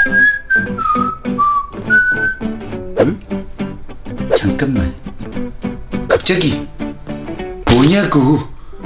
응? 잠깐만. 갑자기 뭐냐고.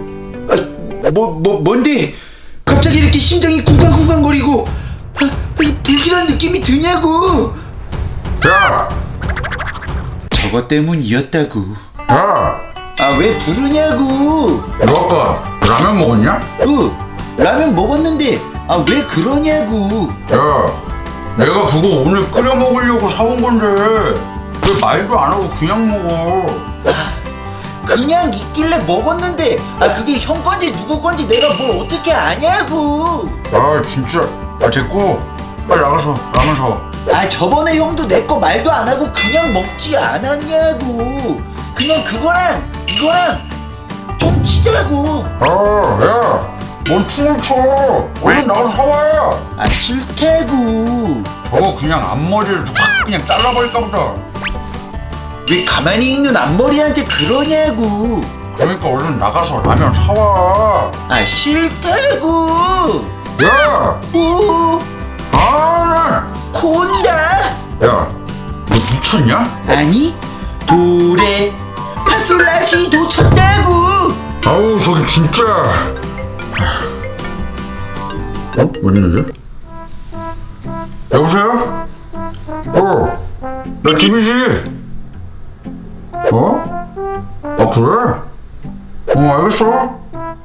뭔데? 갑자기 이렇게 심장이 쿵쾅쿵쾅거리고 불길한 느낌이 드냐고. 야! 저것 때문이었다고. 야! 왜 부르냐고. 너 아까 라면 먹었냐? 라면 먹었는데 왜 그러냐고. 야, 내가 그거 오늘 끓여 먹으려고 사온 건데 왜 말도 안 하고 그냥 먹어? 그냥 있길래 먹었는데 그게 형 건지 누구 건지 내가 뭘 어떻게 아냐고. 진짜. 됐고 빨리 나가서 라면 사와. 저번에 형도 내 거 말도 안 하고 그냥 먹지 않았냐고. 그냥 그거랑 이거랑 좀 치자고. 야! 뭔 춤을 춰! 얼른 나가서 사와! 싫다고. 저거 그냥 앞머리를 확 그냥 잘라버릴까 보다. 왜 가만히 있는 앞머리한테 그러냐고. 그러니까 얼른 나가서 라면 사와. 싫다고. 야! 오, 콘다. 야, 너 미쳤냐? 아니, 도레 파솔라시도 쳤다고. 아우 저기 진짜. 웬일이지? 여보세요? 나 집이지? 그래? 알겠어.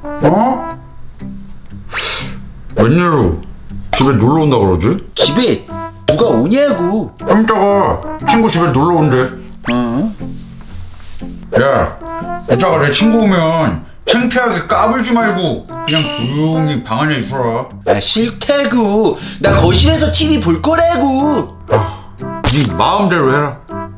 웬일로 집에 놀러 온다 그러지? 집에 누가 오냐고. 좀 이따가 친구 집에 놀러 온대. 야, 이따가 내 친구 오면 창피하게 까불지 말고 그냥 조용히 방 안에 있어라. 싫다고. 나 거실에서 TV 볼 거라고. 네 마음대로 해라.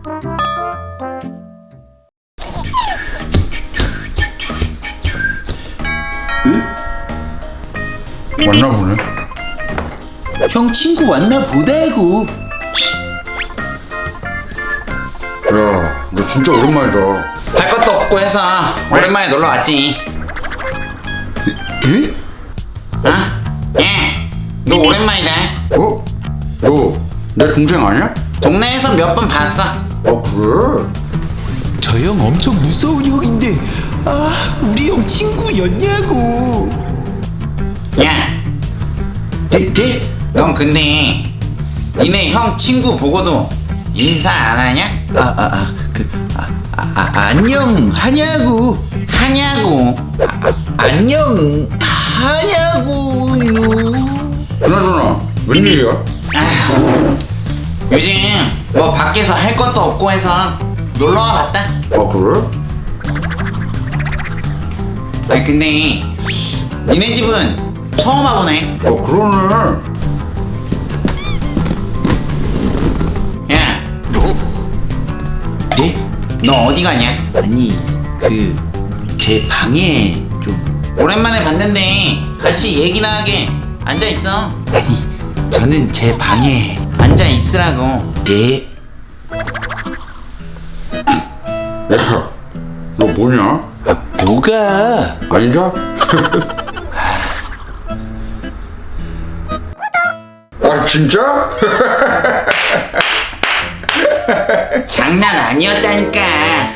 왔나 보네. 형 친구 왔나 보다고. 야, 너 진짜 오랜만이다. 할 것도 없고 해서 오랜만에 놀러 왔지. 에? 예, 너 오랜만이다. 너 내 동생 아니야? 동네에서 몇 번 봤어. 그래? 저 형 엄청 무서운 형인데 우리 형 친구였냐고. 야, 네? 넌 근데 니네 형 친구 보고도 인사 안 하냐? 안녕 하냐고. 안녕 하냐고요. 그나저나 웬일이야? 요즘 뭐 밖에서 할 것도 없고 해서 놀러 와봤다. 그래? 근데 니네 집은 처음 와보네. 그러네. 야, 네? 너 어디 가냐? 아니 제 방에 좀. 오랜만에 봤는데 같이 얘기나 하게 앉아 있어. 아니 저는 제 방에. 앉아 있으라고. 네? 야, 너 뭐냐? 뭐가? 아니자? 진짜? 장난 아니었다니까. 야,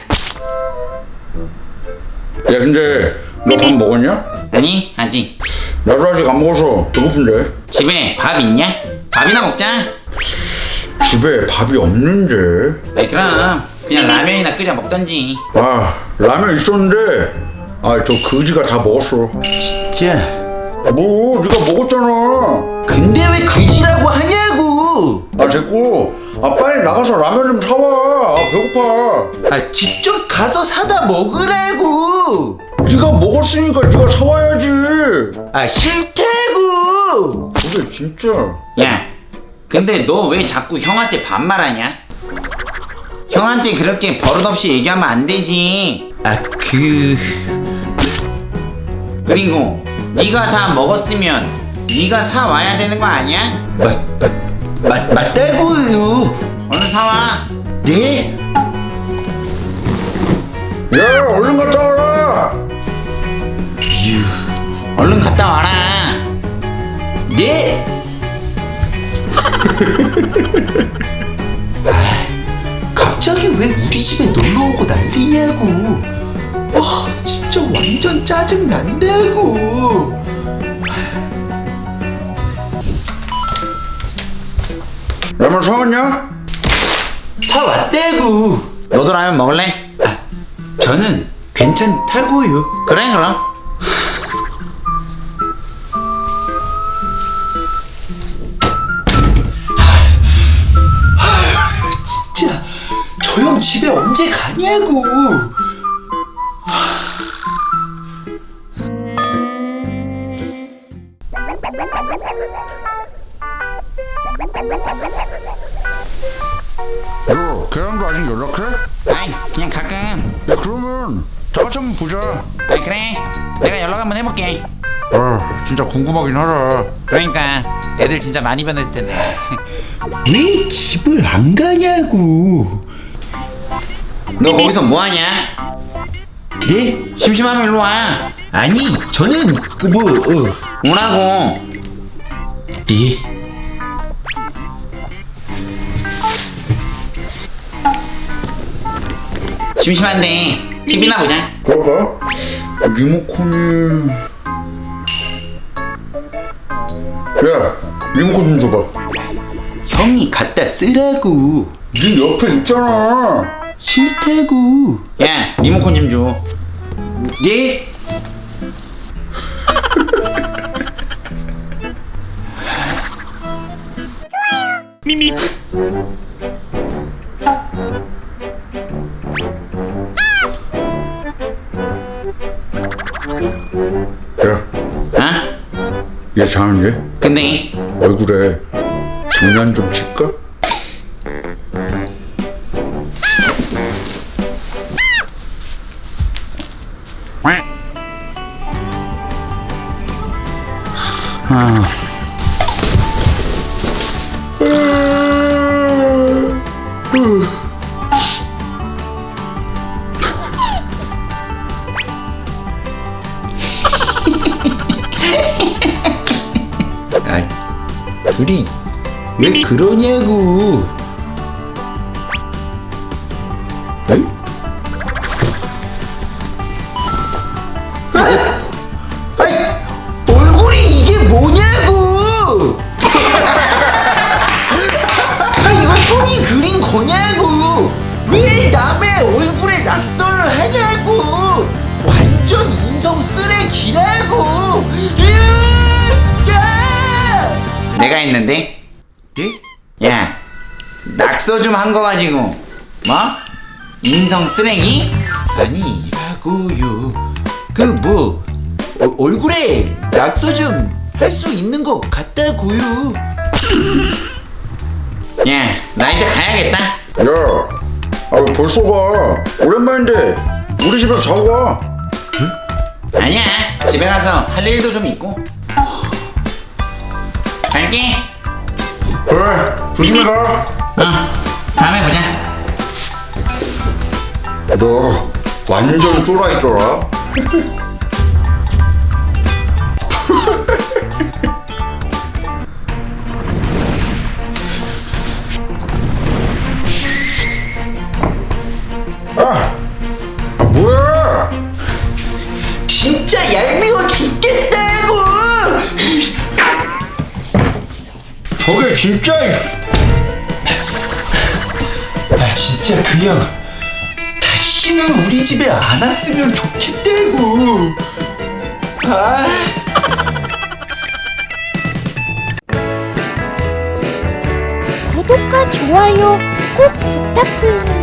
근데 너 밥 먹었냐? 아니, 아직. 나도 아직 안 먹어서 배고픈데. 집에 밥 있냐? 밥이나 먹자. 집에 밥이 없는데. 그럼 그냥 라면이나 끓여 먹던지. 라면 있었는데 저 거지가 다 먹었어. 진짜. 뭐 네가 먹었잖아. 근데 왜 그지라고 하냐고. 됐고 빨리 나가서 라면 좀 사와. 배고파. 직접 가서 사다 먹으라고. 네가 먹었으니까 네가 사와야지. 싫다고. 그게 진짜. 야, 근데 너 왜 자꾸 형한테 반말하냐? 형한테 그렇게 버릇없이 얘기하면 안 되지. 그리고 네가 다 먹었으면 네가 사 와야 되는 거 아니야? 맞다고요. 얼른 사와. 네? 야, 얼른 갔다 와라. 얼른 갔다 와라. 네? 갑자기 왜 우리 집에 놀러 오고 난리냐고. 아, 진짜 완전 짜증 난다고. 라면 사왔냐? 사왔다고. 너도 라면 먹을래? 아, 저는 괜찮다고요. 그래 그럼. 진짜 저 형 집에 언제 가냐고. 너 걔랑도 아직 연락해? 아이 그냥 가끔. 야 그러면 다 같이 한번 보자. 아이 그래. 내가 연락 한번 해볼게. 아 진짜 궁금하긴 하다. 그러니까 애들 진짜 많이 변했을 텐데. 왜 집을 안 가냐고. 너 거기서 뭐하냐? 네? 심심하면 일로 와. 아니 저는 오라고. 예? 심심한데 TV나 보자. 그럴까? 리모컨이... 야 리모컨 좀 줘봐. 형이 갖다 쓰라고. 네 옆에 있잖아. 싫다고. 야 리모컨 좀 줘. 예? 야, 어? 얘 자는데? 근데 얼굴에 장난 좀 칠까? 아이, 둘이 왜 그러냐고. 에이? 아이, 얼굴이 이게 뭐냐고. 아, 이거 형이 그린 거냐고. 왜 남의 얼굴에 낙서를 하냐고. 완전 인성 쓰레기라고. 진짜. 내가 했는데. 예? 야 낙서 좀 한 거 가지고 뭐? 인성 쓰레기? 아니라고요. 얼굴에 낙서 좀 할 수 있는 것 같다고요. 야 나 이제 가야겠다. 야, 아 왜 벌써 가? 오랜만인데 우리 집에서 자고 가. 아니야 집에 가서 할 일도 좀 있고. 갈게. 그래, 조심히 가. 다음에 보자. 너 완전 쫄아있더라. 뭐야? 진짜 얄미워 죽겠다고. 저게 진짜. 나 진짜 그 형 다시는 우리 집에 안 왔으면 좋겠다고. 아. 구독과 좋아요 꼭 부탁드립니다.